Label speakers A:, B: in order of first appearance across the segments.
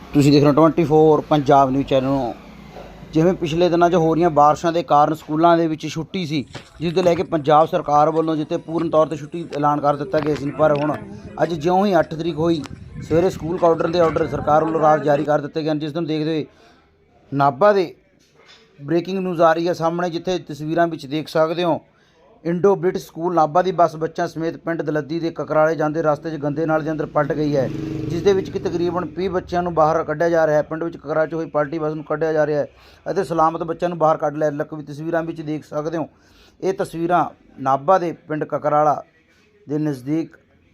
A: ਤੁਸੀਂ ਦੇਖ ਰਹੇ ਹੋ 24 ਪੰਜਾਬ ਨਿਊਜ਼ ਚੈਨਲ ਨੂੰ। ਜਿਵੇਂ ਪਿਛਲੇ ਦਿਨਾਂ 'ਚ ਹੋ ਰਹੀਆਂ ਬਾਰਿਸ਼ਾਂ ਦੇ ਕਾਰਨ ਸਕੂਲਾਂ ਦੇ ਵਿੱਚ ਛੁੱਟੀ ਸੀ, ਜਿਸ ਦੇ ਲੈ ਕੇ ਪੰਜਾਬ ਸਰਕਾਰ ਵੱਲੋਂ ਜਿੱਥੇ ਪੂਰਨ ਤੌਰ 'ਤੇ ਛੁੱਟੀ ਐਲਾਨ ਕਰ ਦਿੱਤਾ ਗਿਆ ਸੀ, ਪਰ ਹੁਣ ਅੱਜ ਜਿਉਂ ਹੀ 8 ਤਰੀਕ ਹੋਈ ਸਵੇਰੇ ਸਕੂਲ ਕਾਊਂਟਰ ਦੇ ਆਰਡਰ ਸਰਕਾਰ ਵੱਲੋਂ ਰਾਤ ਜਾਰੀ ਕਰ ਦਿੱਤੇ ਗਏ ਹਨ, ਜਿਸ ਨੂੰ ਦੇਖਦੇ ਹੋਏ ਨਾਭਾ ਦੇ ਬ੍ਰੇਕਿੰਗ ਨਿਊਜ਼ ਆ ਰਹੀ ਹੈ ਸਾਹਮਣੇ, ਜਿੱਥੇ ਤਸਵੀਰਾਂ ਵਿੱਚ ਦੇਖ ਸਕਦੇ ਹੋ ਇੰਡੋ ਬ੍ਰਿਟਿਸ਼ ਸਕੂਲ ਨਾਭਾ ਦੀ ਬੱਸ ਬੱਚਿਆਂ ਸਮੇਤ ਪਿੰਡ ਦਲੱਦੀ ਦੇ ਕਕਰਾਲੇ ਜਾਂਦੇ ਰਸਤੇ 'ਚ ਗੰਦੇ ਨਾਲੇ ਦੇ ਅੰਦਰ ਪਲਟ ਗਈ ਹੈ, ਜਿਸ ਦੇ ਵਿੱਚ ਕਿ ਤਕਰੀਬਨ 20 ਬੱਚਿਆਂ ਨੂੰ ਬਾਹਰ ਕੱਢਿਆ ਜਾ ਰਿਹਾ ਹੈ। ਪਿੰਡ ਵਿੱਚ ਕਕਰਾਲੇ 'ਚ ਹੋਈ ਪਲਟੀ ਬੱਸ ਨੂੰ ਕੱਢਿਆ ਜਾ ਰਿਹਾ ਹੈ ਅਤੇ ਸਲਾਮਤ ਬੱਚਿਆਂ ਨੂੰ ਬਾਹਰ ਕੱਢ ਲਿਆ। ਵੀ ਤਸਵੀਰਾਂ ਵਿੱਚ ਦੇਖ ਸਕਦੇ ਹੋ, ਇਹ ਤਸਵੀਰਾਂ ਨਾਭਾ ਦੇ ਪਿੰਡ ਕਕਰਾਲਾ ਦੇ ਨਜ਼ਦੀਕ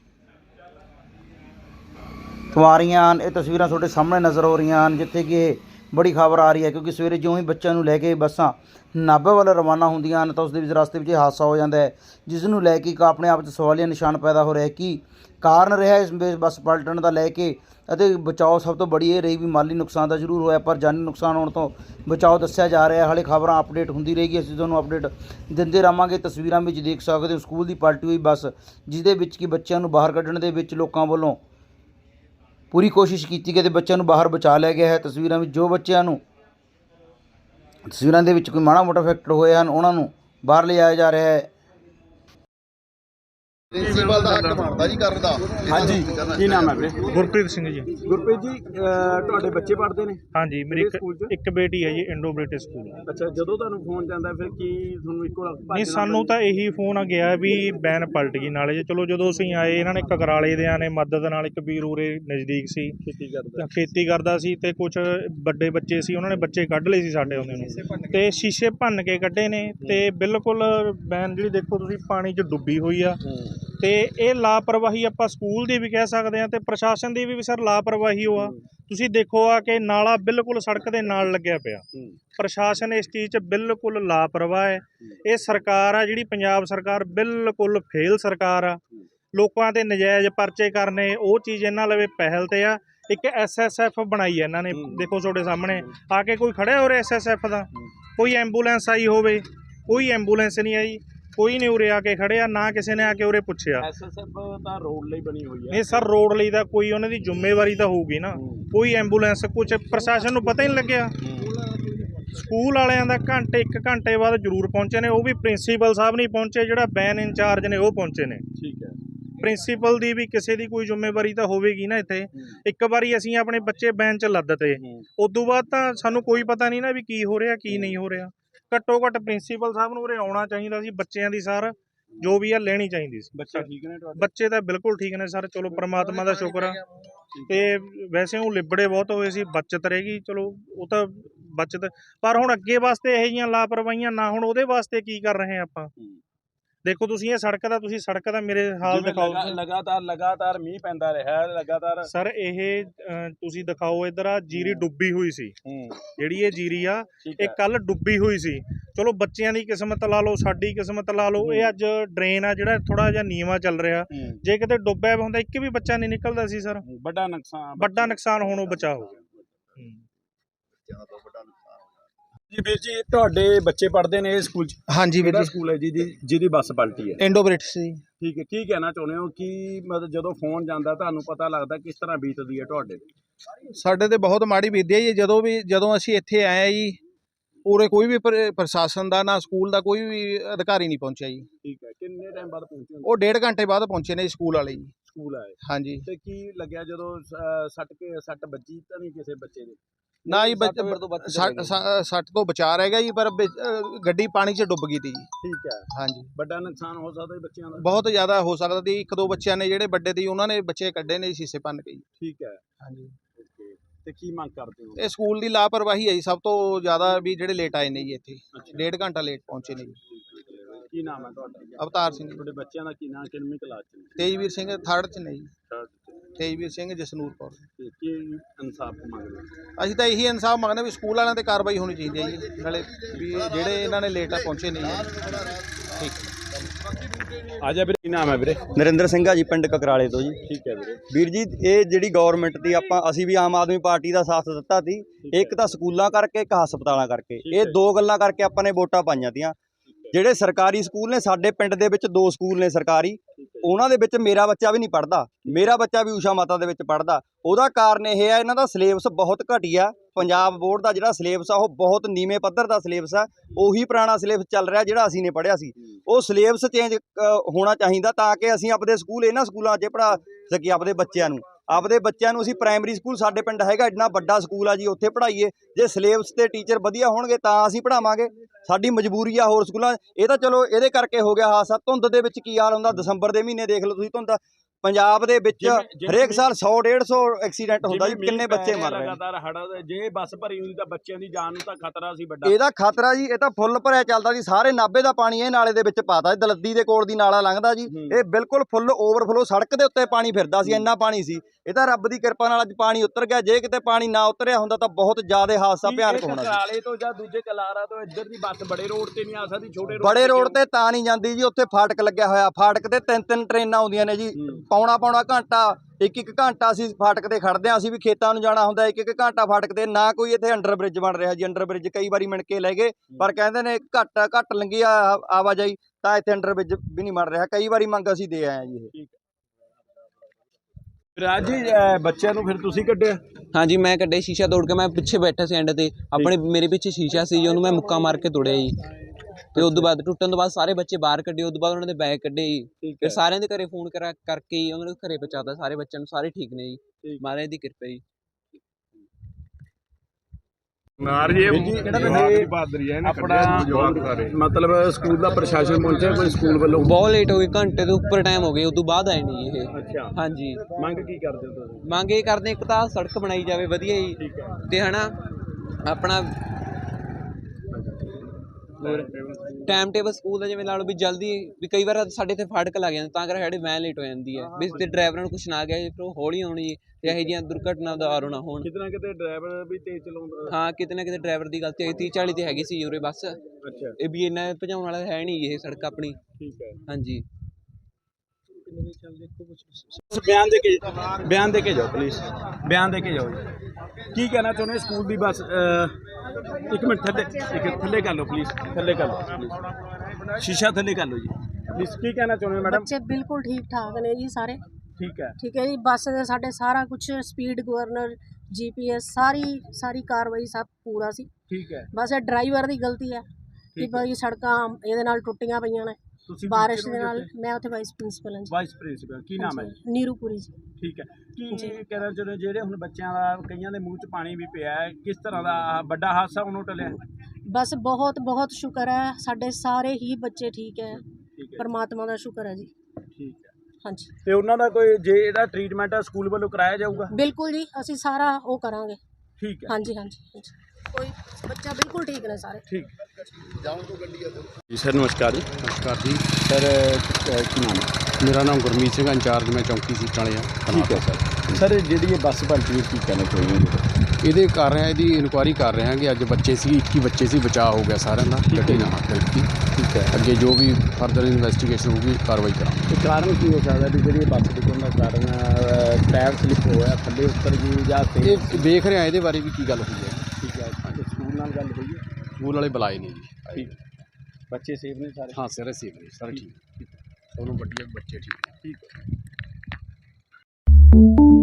A: ਤੋਂ ਆ ਰਹੀਆਂ ਹਨ। ਇਹ ਤਸਵੀਰਾਂ ਤੁਹਾਡੇ ਸਾਹਮਣੇ ਨਜ਼ਰ ਹੋ ਰਹੀਆਂ ਹਨ, ਜਿੱਥੇ ਕਿ ਇਹ ਬੜੀ ਖਬਰ ਆ ਰਹੀ ਹੈ, ਕਿਉਂਕਿ ਸਵੇਰੇ ਜਿਉਂ ਹੀ ਬੱਚਿਆਂ ਨੂੰ ਲੈ ਕੇ ਬੱਸਾਂ ਨਾਭਾ ਵੱਲ ਰਵਾਨਾ ਹੁੰਦੀਆਂ ਹਨ ਤਾਂ ਉਸ ਦੇ ਵਿੱਚ ਰਸਤੇ ਵਿੱਚ ਹਾਦਸਾ ਹੋ ਜਾਂਦਾ ਹੈ, ਜਿਸ ਨੂੰ ਲੈ ਕੇ ਇੱਕ ਆਪਣੇ ਆਪ 'ਚ ਸਵਾਲੀਆ ਨਿਸ਼ਾਨ ਪੈਦਾ ਹੋ ਰਿਹਾ ਹੈ ਕਿ ਕਾਰਨ ਰਿਹਾ ਇਸ ਬੱਸ ਪਲਟਣ ਦਾ ਲੈ ਕੇ। ਅਤੇ ਬਚਾਓ ਸਭ ਤੋਂ ਬੜੀ ਇਹ ਰਹੀ ਵੀ ਮਾਲੀ ਨੁਕਸਾਨ ਤਾਂ ਜ਼ਰੂਰ ਹੋਇਆ, ਪਰ ਜਾਨੀ ਨੁਕਸਾਨ ਹੋਣ ਤੋਂ ਬਚਾਓ ਦੱਸਿਆ ਜਾ ਰਿਹਾ ਹੈ। ਹਾਲੇ ਖਬਰਾਂ ਅਪਡੇਟ ਹੁੰਦੀ ਰਹੇਗੀ, ਅਸੀਂ ਤੁਹਾਨੂੰ ਅਪਡੇਟ ਦਿੰਦੇ ਰਹਾਂਗੇ। ਤਸਵੀਰਾਂ ਵਿੱਚ ਦੇਖ ਸਕਦੇ ਹੋ ਸਕੂਲ ਦੀ ਪਲਟੀ ਹੋਈ ਬੱਸ, ਜਿਸ ਦੇ ਵਿੱਚ ਕਿ ਬੱਚਿਆਂ ਨੂੰ ਬਾਹਰ ਕੱਢਣ ਦੇ ਵਿੱਚ ਲੋਕਾਂ ਵੱਲੋਂ ਪੂਰੀ ਕੋਸ਼ਿਸ਼ ਕੀਤੀ ਗਈ ਅਤੇ ਬੱਚਿਆਂ ਨੂੰ ਬਾਹਰ ਬਚਾ ਲਿਆ ਗਿਆ ਹੈ। ਤਸਵੀਰਾਂ ਵਿੱਚ ਜੋ ਬੱਚਿਆਂ ਨੂੰ ਤਸਵੀਰਾਂ ਦੇ ਵਿੱਚ ਕੋਈ ਮਾੜਾ ਮੋਟਾ ਫੈਕਟਰ ਹੋਏ ਹਨ, ਉਹਨਾਂ ਨੂੰ ਬਾਹਰ ਲਿਜਾਇਆ ਜਾ ਰਿਹਾ ਹੈ।
B: ਪ੍ਰਿੰਸੀਪਲ ਦਾ ਹੱਕ ਬਣਦਾ ਜੀ ਕਰਨ ਦਾ।
C: ਹਾਂਜੀ, ਕੀ ਨਾਮ ਹੈ ਵੀਰੇ?
D: ਗੁਰਪ੍ਰੀਤ ਸਿੰਘ ਜੀ।
C: ਗੁਰਪ੍ਰੀਤ ਜੀ, ਤੁਹਾਡੇ ਬੱਚੇ ਪੜ੍ਹਦੇ ਨੇ?
D: ਹਾਂਜੀ, ਮੇਰੀ
C: ਸਕੂਲ 'ਚ?
D: ਇੱਕ ਬੇਟੀ ਹੈ ਜੀ, ਇੰਡੋ ਬ੍ਰਿਟਿਸ਼ ਸਕੂਲ।
C: ਅੱਛਾ, ਜਦੋਂ ਤੁਹਾਨੂੰ ਫੋਨ ਜਾਂਦਾ ਫਿਰ ਕੀ ਤੁਹਾਨੂੰ ਇੱਕੋ
D: ਨਹੀਂ, ਸਾਨੂੰ ਤਾਂ ਇਹੀ ਫੋਨ ਆ ਗਿਆ ਵੀ ਵੈਨ ਪਲਟ ਗਈ ਨਾਲੇ 'ਚ। ਚਲੋ ਜਦੋਂ ਅਸੀਂ ਆਏ, ਇਹਨਾਂ ਨੇ ਕਕਰਾਲੇ ਦਿਆਂ ਨੇ ਮਦਦ ਨਾਲ, ਇੱਕ ਵੀਰ ਉਰੇ ਨਜ਼ਦੀਕ ਸੀ ਖੇਤੀ ਕਰਦਾ ਸੀ ਤੇ ਕੁਝ ਵੱਡੇ ਬੱਚੇ ਸੀ, ਉਹਨਾਂ ਨੇ ਬੱਚੇ ਕੱਢ ਲਏ ਸੀ ਸਾਡੇ ਆਉਂਦੇ ਨੂੰ, ਤੇ ਸ਼ੀਸ਼ੇ ਭੰਨ ਕੇ ਕੱਢੇ ਨੇ। ਤੇ ਬਿਲਕੁਲ ਵੈਨ ਜਿਹੜੀ ਦੇਖੋ ਤੁਸੀਂ ਪਾਣੀ 'ਚ ਡੁੱਬੀ ਹੋਈ ਆ, ਤੇ ਇਹ ਲਾਪਰਵਾਹੀ ਆਪਾਂ ਸਕੂਲ ਦੀ ਵੀ ਕਹਿ ਸਕਦੇ ਹਾਂ ਤੇ ਪ੍ਰਸ਼ਾਸਨ ਦੀ ਵੀ ਸਰ ਲਾਪਰਵਾਹੀ ਹੋਆ। ਤੁਸੀਂ ਦੇਖੋ ਆ ਕਿ ਨਾਲਾ ਬਿਲਕੁਲ ਸੜਕ ਦੇ ਨਾਲ ਲੱਗਿਆ ਪਿਆ। ਪ੍ਰਸ਼ਾਸਨ ਇਸ ਚੀਜ਼ 'ਚ ਬਿਲਕੁਲ ਲਾਪਰਵਾਹ ਹੈ। ਇਹ ਸਰਕਾਰ ਆ ਜਿਹੜੀ ਪੰਜਾਬ ਸਰਕਾਰ, ਬਿਲਕੁਲ ਫੇਲ ਸਰਕਾਰ ਆ। ਲੋਕਾਂ ਤੇ ਨਜਾਇਜ਼ ਪਰਚੇ ਕਰਨੇ, ਉਹ ਚੀਜ਼ ਇਹਨਾਂ ਲਵੇ ਪਹਿਲ ਤੇ ਆ। ਇੱਕ SSF ਬਣਾਈ ਹੈ ਇਹਨਾਂ ਨੇ, ਦੇਖੋ ਤੁਹਾਡੇ ਸਾਹਮਣੇ ਆ ਕੇ ਕੋਈ ਖੜਿਆ ਹੋ ਰਿਹਾ SSF ਦਾ? ਕੋਈ ਐਂਬੂਲੈਂਸ ਆਈ ਹੋਵੇ? ਕੋਈ ਐਂਬੂਲੈਂਸ ਨਹੀਂ ਆਈ, ਕੋਈ ਨਹੀਂ ਉਰੇ ਆ ਕੇ ਖੜਿਆ, ਨਾ ਕਿਸੇ ਨੇ ਆ ਕੇ ਉਰੇ ਪੁੱਛਿਆ।
C: SSF ਤਾਂ ਰੋਡ ਲਈ ਬਣੀ ਹੋਈ ਹੈ।
D: ਨਹੀਂ ਸਰ, ਰੋਡ ਲਈ ਤਾਂ ਕੋਈ ਉਹਨਾਂ ਦੀ ਜ਼ਿੰਮੇਵਾਰੀ ਤਾਂ ਹੋਊਗੀ ਨਾ। ਕੋਈ ਐਂਬੂਲੈਂਸ ਕੁਝ ਪ੍ਰਸ਼ਾਸਨ ਨੂੰ ਪਤਾ ਹੀ ਨਹੀਂ ਲੱਗਿਆ। ਸਕੂਲ ਵਾਲਿਆਂ ਦਾ ਇੱਕ ਘੰਟੇ ਬਾਅਦ ਜ਼ਰੂਰ ਪਹੁੰਚੇ ਨੇ, ਉਹ ਵੀ ਪ੍ਰਿੰਸੀਪਲ ਸਾਹਿਬ ਨਹੀਂ ਪਹੁੰਚੇ, ਜਿਹੜਾ ਵੈਨ ਇੰਚਾਰਜ ਨੇ ਉਹ ਪਹੁੰਚੇ ਨੇ।
C: ਠੀਕ ਹੈ,
D: ਪ੍ਰਿੰਸੀਪਲ ਦੀ ਵੀ ਕਿਸੇ ਦੀ ਕੋਈ ਜ਼ਿੰਮੇਵਾਰੀ ਤਾਂ ਹੋਵੇਗੀ ਨਾ ਇੱਥੇ। ਇੱਕ ਵਾਰੀ ਅਸੀਂ ਆਪਣੇ ਬੱਚੇ ਵੈਨ 'ਚ ਲੱਦਤੇ, ਉਦੋਂ ਬਾਅਦ ਤਾਂ ਸਾਨੂੰ ਕੋਈ ਪਤਾ ਨਹੀਂ ਨਾ ਵੀ ਕੀ ਹੋ ਰਿਹਾ ਕੀ ਨਹੀਂ ਹੋ ਰਿਹਾ। ਘੱਟੋ ਘੱਟ ਪ੍ਰਿੰਸੀਪਲ ਸਾਹਿਬ ਨੂੰ ਉਰੇ ਆਉਣਾ ਚਾਹੀਦਾ ਸੀ, ਬੱਚਿਆਂ ਦੀ ਸਰ ਜੋ ਵੀ ਆ ਲੈਣੀ ਚਾਹੀਦੀ ਸੀ।
C: ਬੱਚੇ ਠੀਕ ਨੇ ਤੁਹਾਡੇ?
D: ਬੱਚੇ ਤਾਂ ਬਿਲਕੁਲ ਠੀਕ ਨੇ ਸਰ, ਚਲੋ ਪ੍ਰਮਾਤਮਾ ਦਾ ਸ਼ੁਕਰ ਆ। ਤੇ ਵੈਸੇ ਉਹ ਲਿਬੜੇ ਬਹੁਤ ਹੋਏ ਸੀ, ਬਚਤ ਰਹੇਗੀ, ਚਲੋ ਉਹ ਤਾਂ ਬਚਤ। ਪਰ ਹੁਣ ਅੱਗੇ ਵਾਸਤੇ ਇਹੋ ਜਿਹੀਆਂ ਲਾਪਰਵਾਹੀਆਂ ਨਾ, ਹੁਣ ਉਹਦੇ ਵਾਸਤੇ ਕੀ ਕਰ ਰਹੇ ਆਪਾਂ? ਦੇਖੋ ਤੁਸੀਂ ਇਹ ਸੜਕ ਦਾ ਮੇਰੇ ਹਾਲ ਦਿਖਾਓ।
C: ਲਗਾਤਾਰ ਮੀਂਹ ਪੈਂਦਾ ਰਿਹਾ ਲਗਾਤਾਰ
D: ਸਰ। ਇਹ ਤੁਸੀਂ ਦਿਖਾਓ ਇੱਧਰ ਆ ਜੀਰੀ ਡੁੱਬੀ ਹੋਈ ਸੀ, ਜਿਹੜੀ ਇਹ ਜੀਰੀ ਆ ਇਹ ਕੱਲ ਡੁੱਬੀ ਹੋਈ ਸੀ। ਚਲੋ ਬੱਚਿਆਂ ਦੀ ਕਿਸਮਤ ਲਾ ਲਓ, ਸਾਡੀ ਕਿਸਮਤ ਲਾ ਲਓ, ਇਹ ਅੱਜ ਡਰੇਨ ਆ ਜਿਹੜਾ ਥੋੜਾ ਜਿਹਾ ਨੀਵਾਂ ਚੱਲ ਰਿਹਾ। ਜੇ ਕਿਤੇ ਡੁੱਬਿਆ ਹੁੰਦਾ ਇੱਕ ਵੀ ਬੱਚਾ ਨਹੀਂ ਨਿਕਲਦਾ ਸੀ ਸਰ। ਵੱਡਾ ਨੁਕਸਾਨ ਹੋਣੋਂ ਬਚਾ ਹੋ ਗਿਆ।
C: ਜੀ ਵੀਰ ਜੀ, ਤੁਹਾਡੇ ਬੱਚੇ ਪੜ੍ਹਦੇ ਨੇ ਇਸ ਸਕੂਲ 'ਚ?
A: ਹਾਂਜੀ ਵੀਰ ਜੀ।
C: ਸਕੂਲ ਹੈ ਜੀ ਜਿਹਦੀ ਬੱਸ ਪਲਟੀ ਹੈ?
A: ਇੰਡੋ ਬ੍ਰਿਟਿਸ਼ ਜੀ।
C: ਠੀਕ ਹੈ, ਕੀ ਕਹਿਣਾ ਚਾਹੁੰਦੇ ਹੋ? ਕੀ ਮਤਲਬ ਜਦੋਂ ਫੋਨ ਜਾਂਦਾ ਤੁਹਾਨੂੰ ਪਤਾ ਲੱਗਦਾ, ਕਿਸ ਤਰ੍ਹਾਂ ਬੀਤਦੀ ਹੈ ਤੁਹਾਡੇ?
E: ਸਾਡੇ ਤੇ ਬਹੁਤ ਮਾੜੀ ਬੀਤੀ ਹੈ ਜੀ। ਜਦੋਂ ਅਸੀਂ ਇੱਥੇ ਆਏ ਜੀ, ਉਰੇ ਕੋਈ ਵੀ ਪ੍ਰਸ਼ਾਸਨ ਦਾ ਨਾ ਸਕੂਲ ਦਾ ਕੋਈ ਵੀ ਅਧਿਕਾਰੀ ਨਹੀਂ ਪਹੁੰਚਿਆ ਜੀ।
C: ਠੀਕ ਹੈ, ਕਿੰਨੇ ਟਾਈਮ ਬਾਅਦ ਪਹੁੰਚੇ?
E: ਉਹ 1.5 ਘੰਟੇ ਬਾਅਦ ਪਹੁੰਚੇ ਨੇ ਸਕੂਲ ਵਾਲੇ ਜੀ।
C: ਸਕੂਲ ਆਏ?
E: ਹਾਂਜੀ।
C: ਤੇ ਕੀ ਲੱਗਿਆ ਜਦੋਂ ਸੱਟ ਵੱਜੀ ਤਾਂ ਨਹੀਂ ਕਿਸੇ ਬੱਚੇ ਦੇ?
E: ਨਾ ਜੀ, ਸੱਟ ਤੋਂ ਬਚਾ ਰਹਿ ਗਿਆ ਜੀ, ਪਰ ਗੱਡੀ ਪਾਣੀ 'ਚ ਡੁੱਬ ਗਈ ਤੀ ਜੀ।
C: ਠੀਕ ਹੈ।
E: ਹਾਂਜੀ।
C: ਵੱਡਾ ਨੁਕਸਾਨ ਹੋ ਸਕਦਾ ਬੱਚਿਆਂ ਦਾ?
E: ਬਹੁਤ ਜ਼ਿਆਦਾ ਹੋ ਸਕਦਾ ਸੀ। 1-2 ਬੱਚਿਆਂ ਨੇ ਜਿਹੜੇ ਵੱਡੇ ਤੀ, ਉਹਨਾਂ ਨੇ ਬੱਚੇ ਕੱਢੇ ਨੇ ਸ਼ੀਸ਼ੇ ਭੰਨ ਕੇ ਜੀ।
C: ਠੀਕ ਹੈ।
E: ਹਾਂਜੀ।
C: ਤੇ ਕੀ ਮੰਗ ਕਰਦੇ ਹੋ?
E: ਇਹ ਸਕੂਲ ਦੀ ਲਾਪਰਵਾਹੀ ਹੈ ਜੀ ਸਭ ਤੋਂ ਜ਼ਿਆਦਾ, ਵੀ ਜਿਹੜੇ ਲੇਟ ਆਏ ਨੇ ਜੀ ਇੱਥੇ। 1.5 ਘੰਟਾ ਲੇਟ ਪਹੁੰਚੇ ਨੇ ਜੀ।
C: ਕੀ ਨਾਮ ਹੈ ਤੁਹਾਡਾ?
E: ਅਵਤਾਰ ਸਿੰਘ ਜੀ।
C: ਤੁਹਾਡੇ ਬੱਚਿਆਂ ਦਾ ਕੀ ਨਾਮ, ਕਿੰਨੀ ਕਲਾਸ 'ਚ ਨੇ?
E: ਤੇਜਵੀਰ ਸਿੰਘ 3rd 'ਚ ਨੇ ਜੀ। ਤੇਜਵੀਰ ਸਿੰਘ, ਜਸਨੂਰ ਕੌਰ।
C: ਕੀ ਇਨਸਾਫ ਮੰਗਦੇ?
E: ਅਸੀਂ ਤਾਂ ਇਹੀ ਇਨਸਾਫ ਮੰਗਦੇ ਵੀ ਸਕੂਲ ਵਾਲਿਆਂ ਤੇ ਕਾਰਵਾਈ ਹੋਣੀ ਚਾਹੀਦੀ ਹੈ ਜੀ, ਨਾਲੇ ਵੀ ਜਿਹੜੇ ਇਹਨਾਂ ਨੇ ਲੇਟ ਪਹੁੰਚੇ ਨਹੀਂ ਹੈ। ਠੀਕ।
C: ਆ ਜਾ ਵੀਰੇ, ਕੀ ਨਾਮ ਹੈ ਵੀਰੇ?
F: ਨਰਿੰਦਰ ਸਿੰਘ ਆ ਜੀ, ਪਿੰਡ ਕਕਰਾਲੇ ਤੋਂ ਜੀ।
C: ਠੀਕ ਹੈ ਵੀਰੇ।
F: ਵੀਰ ਜੀ, ਇਹ ਜਿਹੜੀ ਗਵਰਨਮੈਂਟ ਦੀ ਅਸੀਂ ਵੀ ਆਮ ਆਦਮੀ ਪਾਰਟੀ ਦਾ ਸਾਥ ਦਿੱਤਾ ਸੀ। ਇੱਕ ਤਾਂ ਸਕੂਲਾਂ ਕਰਕੇ, ਇੱਕ ਹਸਪਤਾਲਾਂ ਕਰਕੇ। ਇਹ 2 ਗੱਲਾਂ ਕਰਕੇ ਆਪਾਂ ਨੇ ਵੋਟਾਂ ਪਾਈਆਂ ਤੀਆਂ। ਜਿਹੜੇ ਸਰਕਾਰੀ ਸਕੂਲ ਨੇ, ਸਾਡੇ ਪਿੰਡ ਦੇ ਵਿੱਚ 2 ਸਕੂਲ ਨੇ ਸਰਕਾਰੀ, ਉਹਨਾਂ ਦੇ ਵਿੱਚ ਮੇਰਾ ਬੱਚਾ ਵੀ ਨਹੀਂ ਪੜ੍ਹਦਾ, ਮੇਰਾ ਬੱਚਾ ਵੀ ਊਸ਼ਾ ਮਾਤਾ ਦੇ ਵਿੱਚ ਪੜ੍ਹਦਾ। ਉਹਦਾ ਕਾਰਨ ਇਹ ਹੈ, ਇਹਨਾਂ ਦਾ ਸਿਲੇਬਸ ਬਹੁਤ ਘਟੀਆ। ਪੰਜਾਬ ਬੋਰਡ ਦਾ ਜਿਹੜਾ ਸਿਲੇਬਸ ਆ ਉਹ ਬਹੁਤ ਨੀਵੇਂ ਪੱਧਰ ਦਾ ਸਿਲੇਬਸ ਆ। ਉਹੀ ਪੁਰਾਣਾ ਸਿਲੇਬਸ ਚੱਲ ਰਿਹਾ ਜਿਹੜਾ ਅਸੀਂ ਨੇ ਪੜ੍ਹਿਆ ਸੀ। ਉਹ ਸਿਲੇਬਸ ਚੇਂਜ ਹੋਣਾ ਚਾਹੀਦਾ ਤਾਂ ਕਿ ਅਸੀਂ ਆਪਦੇ ਸਕੂਲ ਇਹਨਾਂ ਸਕੂਲਾਂ 'ਚ ਪੜ੍ਹਾ ਸਕੀਏ ਆਪਦੇ ਬੱਚਿਆਂ ਨੂੰ। ਅਸੀਂ ਪ੍ਰਾਇਮਰੀ ਸਕੂਲ ਸਾਡੇ ਪਿੰਡ ਹੈਗਾ ਇੰਨਾ ਵੱਡਾ ਸਕੂਲ ਆ ਜੀ, ਉੱਥੇ ਪੜ੍ਹਾਈਏ। ਜੇ ਸਿਲੇਬਸ ਤੇ ਟੀਚਰ ਵਧੀਆ ਹੋਣਗੇ ਤਾਂ ਅਸੀਂ ਪੜ੍ਹਾਵਾਂਗੇ। ਸਾਡੀ ਮਜਬੂਰੀ ਆ ਹੋਰ ਸਕੂਲਾਂ। ਇਹ ਤਾਂ ਚਲੋ ਇਹਦੇ ਕਰਕੇ ਹੋ ਗਿਆ ਹਾਦਸਾ। ਧੁੰਦ ਦੇ ਵਿੱਚ ਕੀ ਹਾਲ ਹੁੰਦਾ, ਦਸੰਬਰ ਦੇ ਮਹੀਨੇ ਦੇਖ ਲਓ ਤੁਸੀਂ ਧੁੰਦ। ਪੰਜਾਬ ਦੇ ਵਿੱਚ ਹਰੇਕ ਸਾਲ 100-150 ਐਕਸੀਡੈਂਟ ਹੁੰਦਾ ਜੀ, ਕਿੰਨੇ ਬੱਚੇ ਮਰ ਰਹੇ ਨੇ।
C: ਲਗਾਤਾਰ ਹੜ੍ਹ ਜੇ ਬੱਸ ਭਰੀ ਹੁੰਦੀ ਤਾਂ ਬੱਚਿਆਂ ਦੀ ਜਾਨ ਨੂੰ ਤਾਂ ਖਤਰਾ ਸੀ ਵੱਡਾ।
F: ਇਹਦਾ ਖਤਰਾ ਜੀ, ਇਹ ਤਾਂ ਫੁੱਲ ਭਰਿਆ ਚੱਲਦਾ ਜੀ। ਸਾਰੇ ਨਾਭੇ ਦਾ ਪਾਣੀ ਇਹ ਨਾਲੇ ਦੇ ਵਿੱਚ ਪਾਤਾ। ਦਲੱਦੀ ਦੇ ਕੋਲ ਦੀ ਨਾਲਾ ਲੰਘਦਾ ਜੀ, ਇਹ ਬਿਲਕੁਲ ਫੁੱਲ ਓਵਰਫਲੋ, ਸੜਕ ਦੇ ਉੱਤੇ ਪਾਣੀ ਫਿਰਦਾ ਸੀ, ਇੰਨਾ ਪਾਣੀ ਸੀ। ਇਹ ਤਾਂ ਰੱਬ ਦੀ ਕਿਰਪਾ ਨਾਲ ਅੱਜ ਪਾਣੀ ਉਤਰ ਗਿਆ। ਜੇ ਕਿਤੇ ਪਾਣੀ ਨਾ ਉਤਰਿਆ ਹੁੰਦਾ ਤਾਂ ਬਹੁਤ ਜ਼ਿਆਦਾ ਹਾਦਸਾ ਭਿਆਨਕ ਹੋਣਾ ਸੀ।
C: ਕਰਾਲੇ ਤੋਂ ਜਾਂ ਦੂਜੇ ਕਲਾਰਾ ਤੋਂ ਇੱਧਰ ਦੀ ਬੱਸ ਬੜੇ ਰੋਡ ਤੇ ਨਹੀਂ ਆ ਸਕਦੀ, ਛੋਟੇ ਰੋਡ
F: ਬੜੇ ਰੋਡ ਤੇ ਤਾਂ ਨਹੀਂ ਜਾਂਦੀ ਜੀ, ਉੱਥੇ ਫਾਟਕ ਲੱਗਿਆ ਹੋਇਆ। ਫਾਟਕ ਤੇ 3-3 ਟ੍ਰੇਨਾਂ ਆਉਂਦੀਆਂ ਨੇ ਜੀ, ਪੌਣਾ ਘੰਟਾ, ਇੱਕ ਘੰਟਾ ਅਸੀਂ ਫਾਟਕ ਤੇ ਖੜਦੇ ਹਾਂ। ਅਸੀਂ ਵੀ ਖੇਤਾਂ ਨੂੰ ਜਾਣਾ ਹੁੰਦਾ, ਇੱਕ ਘੰਟਾ ਫਾਟਕ ਤੇ। ਨਾ ਕੋਈ ਇੱਥੇ ਅੰਡਰ ਬ੍ਰਿਜ ਬਣ ਰਿਹਾ ਜੀ। ਅੰਡਰ ਬ੍ਰਿਜ ਕਈ ਵਾਰੀ ਮਿਣ ਕੇ ਲੈ ਗਏ, ਪਰ ਕਹਿੰਦੇ ਨੇ ਘੱਟ ਲੰਗੀ ਆਵਾਜਾਈ, ਤਾਂ ਇੱਥੇ ਅੰਡਰ ਬ੍ਰਿਜ ਵੀ ਨਹੀਂ ਬਣ ਰਿਹਾ। ਕਈ ਵਾਰੀ ਮੰਗ ਅਸੀਂ ਦੇ ਆਏ ਹਾਂ ਜੀ ਇਹ।
C: ਰਾਜ ਜੀ ਬੱਚਿਆਂ ਨੂੰ ਫਿਰ ਤੁਸੀਂ ਕੱਢਿਆ?
G: ਹਾਂਜੀ, ਮੈਂ ਕੱਢੇ। ਸ਼ੀਸ਼ਾ ਤੋੜ ਕੇ ਮੈਂ ਪਿੱਛੇ ਬੈਠਾ ਸੀ ਐਂਡ ਤੇ, ਆਪਣੇ ਮੇਰੇ ਪਿੱਛੇ ਸ਼ੀਸ਼ਾ ਸੀ ਜੀ, ਉਹਨੂੰ ਮੈਂ ਮੁੱਕਾ ਮਾਰ ਕੇ ਤੋੜਿਆ ਜੀ। ਤੇ ਉਸ ਤੋਂ ਬਾਅਦ ਟੁੱਟਣ ਤੋਂ ਬਾਅਦ ਸਾਰੇ ਬੱਚੇ ਬਾਹਰ ਕੱਢੇ। ਉਸ ਤੋਂ ਬਾਅਦ ਉਹਨਾਂ ਦੇ ਬੈਗ ਕੱਢੇ ਜੀ। ਫਿਰ ਸਾਰਿਆਂ ਦੇ ਘਰੇ ਫੋਨ ਕਰਕੇ ਹੀ ਉਹਨਾਂ ਨੂੰ ਘਰੇ ਪਹੁੰਚਾਤਾ। ਸਾਰੇ ਬੱਚਿਆਂ ਨੂੰ, ਸਾਰੇ ਠੀਕ ਨੇ ਜੀ, ਮਹਾਰਾਜ ਦੀ ਕਿਰਪਾ ਜੀ।
C: ਆਪਣਾ ਮਤਲਬ ਸਕੂਲ ਦਾ ਪ੍ਰਸ਼ਾਸਨ ਪਹੁੰਚਿਆ ਕੋਈ ਸਕੂਲ ਵੱਲੋਂ?
G: ਬਹੁਤ ਲੇਟ ਹੋ ਗਈ, ਘੰਟੇ ਤੋਂ ਉੱਪਰ ਟਾਈਮ ਹੋ ਗਿਆ, ਉਦੋਂ ਬਾਅਦ ਆਏ ਨਹੀਂ ਇਹ।
C: ਅੱਛਾ,
G: ਹਾਂਜੀ।
C: ਮੰਗ ਕੀ ਕਰਦੇ ਹੋ ਤੁਸੀਂ?
G: ਮੰਗ ਇਹ ਕਰਦੇ, ਇੱਕ ਤਾਂ ਸੜਕ ਬਣਾਈ ਜਾਵੇ ਵਧੀਆ ਜੀ, ਤੇ ਹਨਾ ਆਪਣਾ ਟਾਈਮ ਟੇਬਲ ਸਕੂਲ ਦਾ ਜਿਵੇਂ ਲਾ ਲਓ ਵੀ ਜਲਦੀ, ਵੀ ਕਈ ਵਾਰ ਸਾਡੇ ਇੱਥੇ ਫਾਟਕ ਲੱਗ ਜਾਂਦਾ, ਤਾਂ ਕਰਕੇ ਸਾਡੇ ਵੈਨ ਲੇਟ ਹੋ ਜਾਂਦੀ ਹੈ। ਵੀ ਤੇ ਡਰਾਈਵਰਾਂ ਨੂੰ ਕੁਛ ਨਾ ਗਿਆ ਜੀ, ਫਿਰ ਉਹ ਹੌਲੀ ਆਉਣੀ ਤੇ ਇਹੋ ਜਿਹੀਆਂ ਦੁਰਘਟਨਾ ਦਾ ਆਰੋ ਨਾ ਹੋਣ।
C: ਕਿਤੇ ਨਾ ਕਿਤੇ ਡਰਾਈਵਰ ਵੀ ਤੇਜ਼ ਚਲਾਉਂਦਾ।
G: ਹਾਂ, ਕਿਤੇ ਨਾ ਕਿਤੇ ਡਰਾਈਵਰ ਦੀ ਗਲਤੀ ਹੈ। 30-40 ਤੇ ਹੈਗੀ ਸੀ ਉਰੇ ਬੱਸ।
C: ਅੱਛਾ,
G: ਇਹ ਵੀ ਇੰਨਾ ਭਜਾਉਣ ਵਾਲਾ ਹੈ ਨਹੀਂ ਇਹ ਸੜਕ ਆਪਣੀ।
C: ਠੀਕ ਹੈ।
G: ਹਾਂਜੀ।
C: ਬਿਆਨ ਦੇ ਕੇ ਜਾਓ ਪਲੀਜ਼, ਬਿਆਨ ਦੇ ਕੇ ਜਾਓ ਜੀ। ਕੀ ਕਹਿਣਾ ਚਾਹੁੰਦੇ ਸਕੂਲ ਦੀ ਬੱਸ? ਇੱਕ ਮਿੰਟ ਥੱਲੇ ਕਰ ਲਓ ਪਲੀਜ਼, ਥੱਲੇ ਕਰ ਲਓ ਪਲੀਜ਼, ਸ਼ੀਸ਼ਾ ਥੱਲੇ ਕਰ ਲਓ ਜੀ ਪਲੀਜ਼। ਕੀ ਕਹਿਣਾ ਚਾਹੁੰਦੇ ਮੈਡਮ?
H: ਬੱਚੇ ਬਿਲਕੁਲ ਠੀਕ ਠਾਕ ਨੇ ਜੀ ਸਾਰੇ।
C: ਠੀਕ ਹੈ
H: ਜੀ। ਬੱਸ ਦੇ ਸਾਡੇ ਸਾਰਾ ਕੁਝ ਸਪੀਡ ਗਵਰਨਰ, GPS, ਸਾਰੀ ਕਾਰਵਾਈ ਸਭ ਪੂਰਾ ਸੀ।
C: ਠੀਕ ਹੈ।
H: ਬਸ ਇਹ ਡਰਾਈਵਰ ਦੀ ਗਲਤੀ ਹੈ ਕਿ ਭਾਈ ਸੜਕਾਂ ਇਹਦੇ ਨਾਲ ਟੁੱਟੀਆਂ ਪਈਆਂ ਨੇ
C: ਤੁਸੀਂ
H: ਬਾਰਿਸ਼ ਦੇ ਨਾਲ। ਮੈਂ ਉੱਥੇ ਵਾਈਸ ਪ੍ਰਿੰਸੀਪਲ ਹਾਂ ਜੀ।
C: ਵਾਈਸ ਪ੍ਰਿੰਸੀਪਲ ਕੀ ਨਾਮ ਹੈ?
H: ਨੀਰੂਪੁਰੀ ਜੀ।
C: ਠੀਕ ਹੈ। ਕੀ ਕਹਿਣਾ ਚਾਹੁੰਦੇ ਜਿਹੜੇ ਹੁਣ ਬੱਚਿਆਂ ਦਾ ਕਈਆਂ ਦੇ ਮੂੰਹ 'ਚ ਪਾਣੀ ਵੀ ਪਿਆ ਹੈ, ਕਿਸ ਤਰ੍ਹਾਂ ਦਾ ਵੱਡਾ ਹਾਦਸਾ ਉਹਨੂੰ ਟਲਿਆ?
H: ਬਸ ਬਹੁਤ ਸ਼ੁਕਰ ਹੈ, ਸਾਡੇ ਸਾਰੇ ਹੀ ਬੱਚੇ ਠੀਕ ਹੈ।
C: ਠੀਕ ਹੈ,
H: ਪਰਮਾਤਮਾ ਦਾ ਸ਼ੁਕਰ ਹੈ ਜੀ।
C: ਠੀਕ ਹੈ।
H: ਹਾਂਜੀ,
C: ਤੇ ਉਹਨਾਂ ਦਾ ਕੋਈ ਜੇ ਇਹਦਾ ਟ੍ਰੀਟਮੈਂਟ ਸਕੂਲ ਵੱਲੋਂ ਕਰਾਇਆ ਜਾਊਗਾ?
H: ਬਿਲਕੁਲ ਜੀ, ਅਸੀਂ ਸਾਰਾ ਉਹ ਕਰਾਂਗੇ।
C: ਠੀਕ ਹੈ।
H: ਹਾਂਜੀ, ਕੋਈ ਬੱਚਾ ਬਿਲਕੁਲ ਠੀਕ ਨੇ ਸਾਰੇ।
C: ਠੀਕ ਜੀ ਸਰ, ਨਮਸਕਾਰ ਜੀ।
I: ਨਮਸਕਾਰ ਜੀ।
C: ਸਰ ਕੀ ਨਾਮ ਹੈ?
I: ਮੇਰਾ ਨਾਮ ਗੁਰਮੀਤ ਸਿੰਘ, ਇੰਚਾਰਜ ਮੈਂ ਚੌਂਕੀ ਸੀਟਾਂ ਵਾਲੇ ਆ।
C: ਠੀਕ ਹੈ ਸਰ। ਸਰ ਜਿਹੜੀ ਇਹ ਬੱਸ ਪਲਟੀ ਕੀ ਕਹਿਣਾ ਚਾਹੁੰਦੇ ਹੋ?
I: ਇਹਦੇ ਕਰ ਰਹੇ ਹਾਂ, ਇਹਦੀ ਇਨਕੁਆਇਰੀ ਕਰ ਰਹੇ ਹਾਂ ਕਿ ਅੱਜ ਬੱਚੇ ਸੀ 21 ਬੱਚੇ ਸੀ, ਬਚਾਅ ਹੋ ਗਿਆ ਸਾਰਿਆਂ ਦਾ, ਗੱਡੀ ਨਾਲ ਹੱਥ ਕੀ।
C: ਠੀਕ ਹੈ।
I: ਅੱਗੇ ਜੋ ਵੀ ਫਰਦਰ ਇਨਵੈਸਟੀਗੇਸ਼ਨ ਹੋਊਗੀ ਕਾਰਵਾਈ ਕਰਾਂਗੇ।
C: ਤੇ ਕਾਰਨ ਕੀ ਹੋ ਸਕਦਾ ਵੀ ਜਿਹੜੀ ਬੱਸ ਡਿੱਗਣ ਦਾ ਕਾਰਨ ਟਾਇਰ ਸਲਿੱਪ ਹੋਇਆ, ਥੱਲੇ ਉੱਤਰ ਗਈ ਜਾਂ
I: ਇਹ ਦੇਖ ਰਹੇ ਹਾਂ ਇਹਦੇ ਬਾਰੇ ਵੀ ਕੀ ਗੱਲ ਹੋਈ ਹੈ।
C: ਠੀਕ ਹੈ। ਸਕੂਲ ਨਾਲ ਗੱਲ ਹੋਈ ਹੈ?
I: ਸਕੂਲ ਵਾਲੇ ਬੁਲਾਏ ਨੇ ਜੀ।
C: ਠੀਕ। ਬੱਚੇ ਸੇਫ ਨੇ ਸਾਰੇ?
I: ਹਾਂ ਸਰ, ਸੇਫ ਨੇ ਸਾਰੇ, ਠੀਕ। ਦੋਨੋਂ ਵੱਡੀਆਂ ਬੱਚੇ ਠੀਕ।
C: ਠੀਕ ਹੈ।